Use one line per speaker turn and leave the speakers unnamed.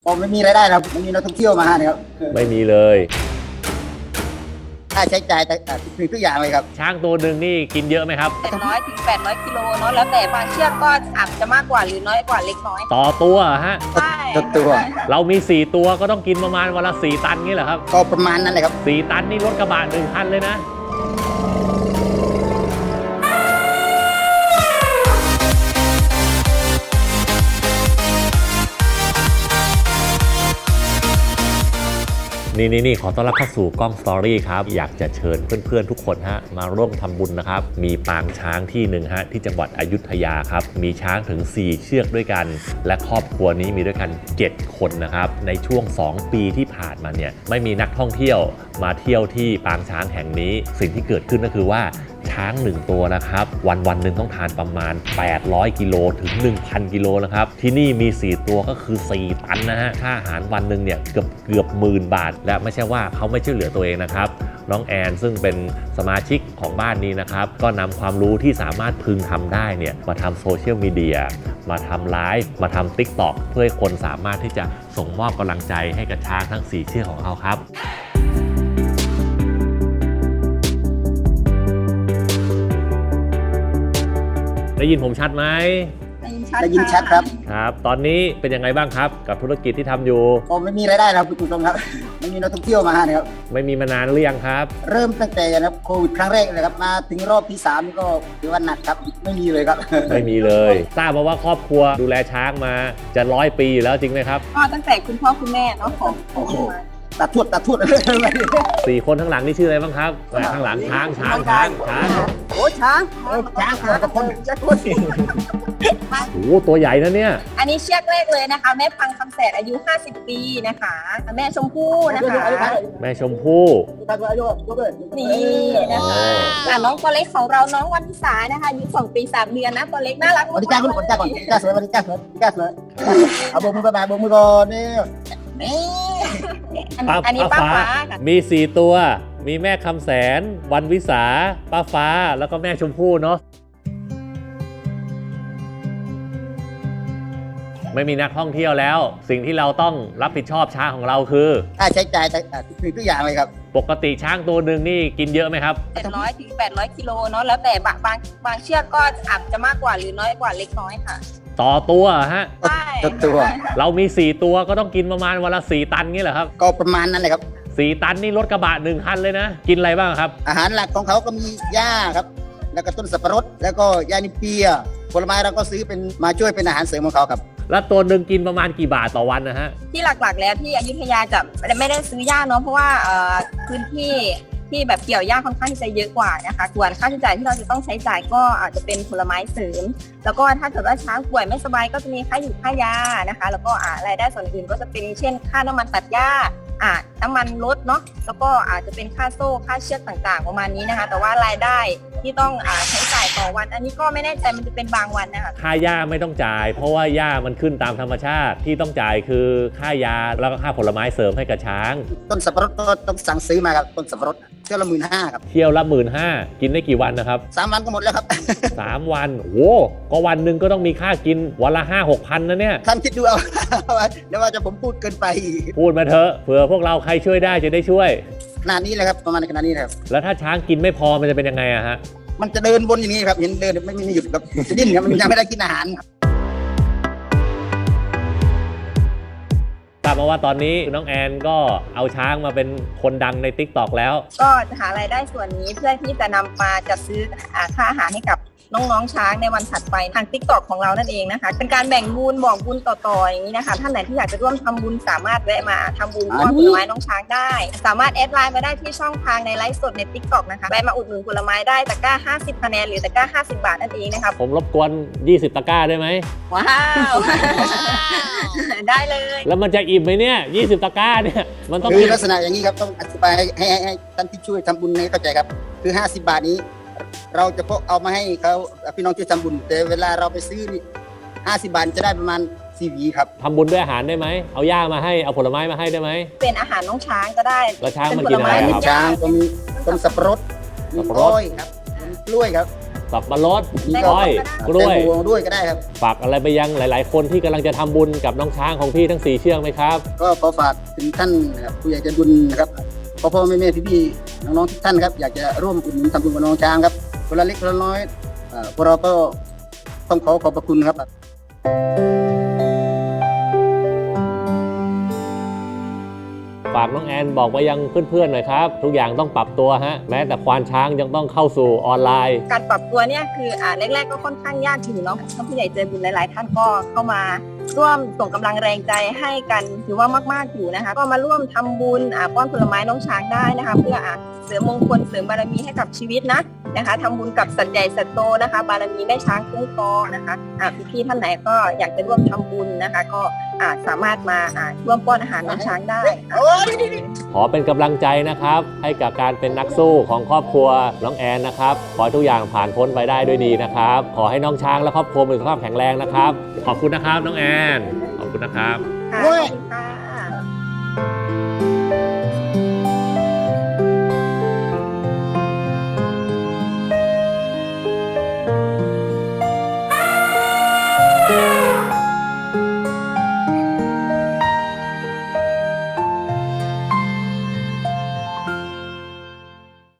ผมไม่มีรายได้ครับไม่มีนักท่องเที่ยวมานะครับ
ไม่มีเลย
ค่าใช้จ่ายแต่ทุกอย่างเลยครับ
ช้างตัวหนึ่งนี่กินเยอะไหมครับ
700 ถึง 800 กิโลเนาะแล้วแต่บางเชือกก็อาจจะมากกว่าหรือน้อยกว่าเล็กน้อย
ต่อตัวฮะ
ใช่
ตัว
เรามี4ตัวก็ต้องกินประมาณวันละ4 ตันงี้เหรอครับ
ก็ประมาณนั้นเลยครับ
4 ตันนี่รถกระบะ1 คันเลยนะนี่ขอต้อนรับเข้าสู่กล้องสตอรี่ครับอยากจะเชิญเพื่อนๆทุกคนฮะมาร่วมทำบุญนะครับมีปางช้างที่หนึ่งฮะที่จังหวัดอยุธยาครับมีช้างถึง4 เชือกด้วยกันและครอบครัวนี้มีด้วยกัน7 คนนะครับในช่วง2 ปีที่ผ่านมาเนี่ยไม่มีนักท่องเที่ยวมาเที่ยวที่ปางช้างแห่งนี้สิ่งที่เกิดขึ้นก็คือว่าช้าง1 ตัวนะครับวันหนึ่งต้องทานประมาณ800 กิโลถึง 1,000 กิโลนะครับที่นี่มี4 ตัวก็คือ4 ตันนะฮะค่าอาหารวันหนึ่งเนี่ยเกือบ10,000 บาทและไม่ใช่ว่าเขาไม่ช่วยเหลือตัวเองนะครับน้องแอนซึ่งเป็นสมาชิกของบ้านนี้นะครับก็นำความรู้ที่สามารถพึงทำได้เนี่ยมาทำโซเชียลมีเดียมาทำไลฟ์มาทำ TikTok เพื่อให้คนสามารถที่จะส่งมอบกำลังใจให้กับช้างทั้ง4 เชือกของเขาครับได้ยินผมชัดไหม
ได้ยินชัดครับ
ครับตอนนี้เป็นยังไงบ้างครับกับธุรกิจที่ทำอยู่
ผมไม่มีรายได้ครับคุณผู้ชมครับไม่มีนักท่องเที่ยวมานะครับ
ไม่มีมานานหรือยังครับ
เริ่มตั้งแต่นะครับโควิดครั้งแรกเลยครับมาถึงรอบที่3นี่ก็ถือว่าหนักครับไม่มีเลยครับ
ไม่มีเลยทราบมาว่าครอบครัวดูแลช้างมาจะ100 ปีอยู่แล้วจริงไหมครับ
ก็ตั้งแต่คุณพ่อคุณแม่เนาะของ
ตาทวด
4 คนข้างหลังนี่ชื่ออะไรบ้างครับข้างหลังช้าง
โอ้ช้างกับคน
โอ้ตัวใหญ่นะเนี่ย
อันนี้เชือกแรกเลยนะคะแม่พังคำแสนอายุ50 ปีนะคะแม่ชมพู่นะคะ
แม่ชมพู่
นี่นะคะน้องตัวเล็กของเราน้องวันวิสานะคะอายุ2 ปี 3 เดือนนะตัวเล็กน่ารัก
วันนี้จ้าก่อนจ้าสวยวันนี้จ้าสวยเอาโบกมือไปโบกมือก่อนนี่
อันนี้ป้าฟ้า
มี4 ตัวมีแม่คำแสนวันวิสาป้าฟ้าแล้วก็แม่ชมพู่เนาะไม่มีนักท่องเที่ยวแล้วสิ่งที่เราต้องรับผิดชอบช้างของเราคือ
ค่าใช้จ่ายแต่ทุกอย่างเลยครับ
ปกติช้างตัวหนึ่งนี่กินเยอะไหมครับ
700 ถึง 800 กิโลเนาะแล้วแต่บางเชือกก็อาจจะมากกว่าหรือน้อยกว่าเล็กน้อยค่ะ
ต่อตัวฮะ
ใช่
ตัว
เรามี4 ตัวก็ต้องกินประมาณวันละ4 ตันงี้เหรอครับ
ก็ประมาณนั้นเลยครับ
4 ตันนี่รถกระบะ1 คันเลยนะกินอะไรบ้างครับ
อาหารหลักของเขาก็มีหญ้าครับแล้วก็ต้นสับปะรดแล้วก็ยานิเปียผลไม้เราก็ซื้อเป็นมาช่วยเป็นอาหารเสริมของเขาครับ
แล้วตัวหนึ่งกินประมาณกี่บาทต่อวันนะฮะ
ที่หลักๆแล้วที่อยุธยาจะไม่ได้ซื้อหญ้าเนาะเพราะว่าพื้นที่ที่แบบเกี่ยวหญ้าค่อนข้างที่จะเยอะกว่านะคะส่วนค่าใช้จ่ายที่เราจะต้องใช้จ่ายก็อาจจะเป็นผลไม้เสริมแล้วก็ถ้าเกิดว่าช้างป่วยไม่สบายก็จะมีค่าอยู่ค่ายานะคะแล้วก็รายได้ส่วนอื่นก็จะเป็นเช่นค่าน้ำมันตัดหญ้าน้ำมันรถเนาะแล้วก็อาจจะเป็นค่าโซ่ค่าเชือกต่างๆประมาณนี้นะคะแต่ว่ารายได้ที่ต้องใช้จ่ายต่อวันอันนี้ก็ไม่แน่ใจมันจะเป็นบางวันนะคะ
ค่าหญ้าไม่ต้องจ่ายเพราะว่าหญ้ามันขึ้นตามธรรมชาติที่ต้องจ่ายคือค่ายาแล้วก็ค่าผลไม้เสริมให้กับช้าง
ต้นสับปะรดก็ต้องสั่งซื้อมาครับต้นสับปะรดเที่ยวละ15,000ครับ
เที่ยวละ15,000กินได้กี่วันนะครับ
3 วันก็หมดแล้วครับ
3 วันโอ้ก็วันหนึ่งก็ต้องมีค่ากินวันละ5-6 พันนะเนี่ย
ท่านคิดดูเอาเดี๋ยวว่าจะผมพูดเกินไป
พูดมาเถอะเผื่อพวกเราใครช่วยได้จะได้ช่วย
ขนาดนี้เลยครับประมาณขนาดนี้ครับ
แล้วถ้าช้างกินไม่พอมันจะเป็นยังไงอะฮะ
มันจะเดินบนอย่างนี้ครับเห็นเดินไม่มีหยุดครับจะดิ้นครับมันยังไม่ได้กินอาหาร
ทราบมาว่าตอนนี้น้องแอนก็เอาช้างมาเป็นคนดังใน TikTok แล้ว
ก็จะหารายได้ส่วนนี้เพื่อที่จะนำมาจัดซื้อค่าอาหารให้กับน้องๆช้างในวันถัดไปทาง TikTok ของเรานั่นเองนะคะเป็นการแบ่งบุญบอกบุญต่อๆอย่างนี้นะคะท่านไหนที่อยากจะร่วมทำบุญสามารถแวะมาทำบุญมอบผลไม้น้องช้างได้สามารถแอดไลน์มาได้ที่ช่องทางในไลฟ์สดใน TikTok นะคะแวะมาอุดหนุนผลไม้ได้ตะกร้า50 คะแนนหรือตะกร้า50 บาทนั่นเองนะคะ
ผมรบกวน20 ตะกร้าได้ไหม
ว้าวได้เลย
แล้วมันจะอิ่มไหมเนี่ย20 ตะกร้าเนี่ยมันต้อง
มีลักษณะอย่างนี้ครับต้องอธิบายให้ท่านที่ช่วยทำบุญให้เข้าใจครับคือ50 บาทนี้เราจะพกเอามาให้เขาพี่น้องช่วยทำบุญแต่เวลาเราไปซื้อนี่50 บาทจะได้ประมาณ4 หวีครับ
ทำบุญด้วยอาหารได้ไหมเอาหญ้ามาให้เอาผลไม้มาให้ได้ไหม
เป็นอาหารน้องช้างก็ได้
แล้วช้างมันกินอะไร
ครับช้างก็มีต้นสับปะรดมีกล้วยครับมีกล้วยครับ
สับปะรด
แตงโม
อ้อยกล้วย
แตงโมด้วยก็ได้ครับ
ฝากอะไรไปยังหลาย ๆ คนที่กำลังจะทำบุญกับน้องช้างของพี่ทั้ง 4 เชือกไหมครับ
ก็ขอฝากถึงท่านนะครับผู้ใหญ่ใจบุญนะครับพ่อแม่พี่ๆน้องๆทุกท่านครับอยากจะร่วมอุดหนุนทำบุญกับน้องช้างครับคนละเล็กคนละน้อยพวกเราก็ต้องขอขอบพระคุณครับ
ฝากน้องแอนบอกไปยังเพื่อนๆหน่อยครับ ทุกอย่างต้องปรับตัวฮะแม้แต่ควานช้างยังต้องเข้าสู่ออนไลน์
การปรับตัวเนี่ยคือแรกๆก็ค่อนข้างยากอยู่เนาะท่านผู้ใหญ่ใจบุญหลายๆท่านก็เข้ามาร่วมส่งกำลังแรงใจให้กันถือว่ามากๆอยู่นะคะก็มาร่วมทำบุญป้อนผลไม้น้องช้างได้นะคะเพื่อเสริมมงคลเสริมบารมีให้กับชีวิตนะคะทำบุญกับสัตว์ใหญ่สัตว์โตนะคะบารมีแม่ช้างคุ้มครองนะคะพี่ๆท่านไหนก็อยากจะร่วมทำบุญนะคะก็สามารถมาร่วมป้อนอาหารน้องช้างได้
ขอเป็นกำลังใจนะครับให้กับการเป็นนักสู้ของครอบครัวน้องแอนนะครับขอให้ทุกอย่างผ่านพ้นไปได้ด้วยดีนะครับขอให้น้องช้างและครอบครัวมีสุขภาพแข็งแรงนะครับขอบคุณนะครับน้องแอนขอบคุณนะครับ
ค่ะ